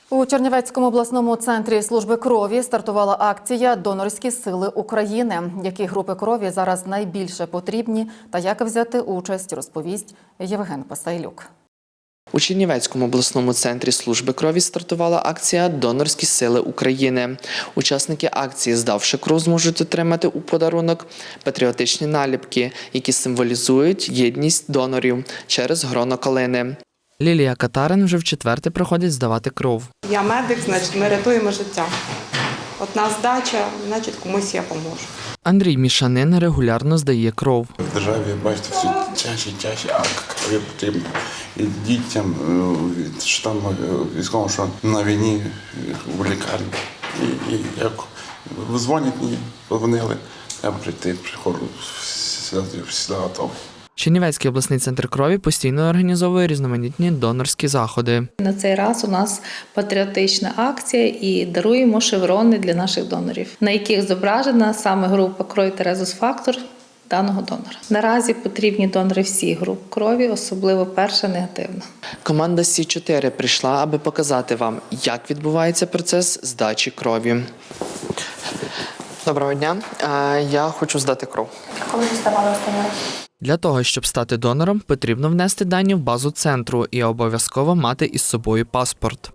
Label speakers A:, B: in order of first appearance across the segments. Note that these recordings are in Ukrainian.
A: У Чернівецькому обласному центрі служби крові стартувала акція «Донорські сили України». Які групи крові зараз найбільше потрібні та як взяти участь, розповість Євген Пасайлюк.
B: У Чернівецькому обласному центрі служби крові стартувала акція «Донорські сили України». Учасники акції, здавши кров, зможуть отримати у подарунок патріотичні наліпки, які символізують єдність донорів через гроно калини. Лілія Катарин вже вчетверте приходить здавати кров.
C: Я медик, значить ми рятуємо життя. Одна здача, значить комусь я поможу.
B: Андрій Мішанин регулярно здає кров.
D: В державі, бачите, все чаще, а крові потрібно і дітям, що там військовим, що на війні, в лікарні. І як дзвонять мені, подзвонили, треба прийти, приходжу, всі готові.
B: Чернівецький обласний центр крові постійно організовує різноманітні донорські заходи.
E: На цей раз у нас патріотична акція і даруємо шеврони для наших донорів, на яких зображена саме група крові та резус-фактор даного донора. Наразі потрібні донори всіх груп крові, особливо перша негативна.
B: Команда Сі-4 прийшла, аби показати вам, як відбувається процес здачі крові. Доброго дня. Я хочу здати кров.
F: Коли ви здавали останній раз?
B: Для того, щоб стати донором, потрібно внести дані в базу центру і обов'язково мати із собою паспорт.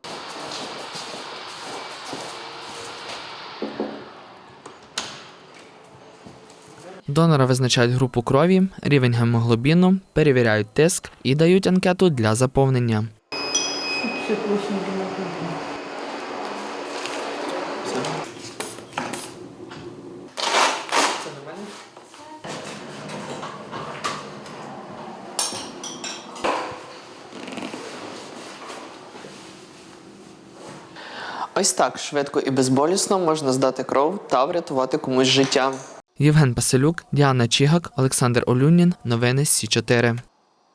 B: Донора визначають групу крові, рівень гемоглобіну, перевіряють тиск і дають анкету для заповнення. Ось так швидко і безболісно можна здати кров та врятувати комусь життя. Євген Пасилюк, Діана Чігак, Олександр Олюнін. Новини Сі-4.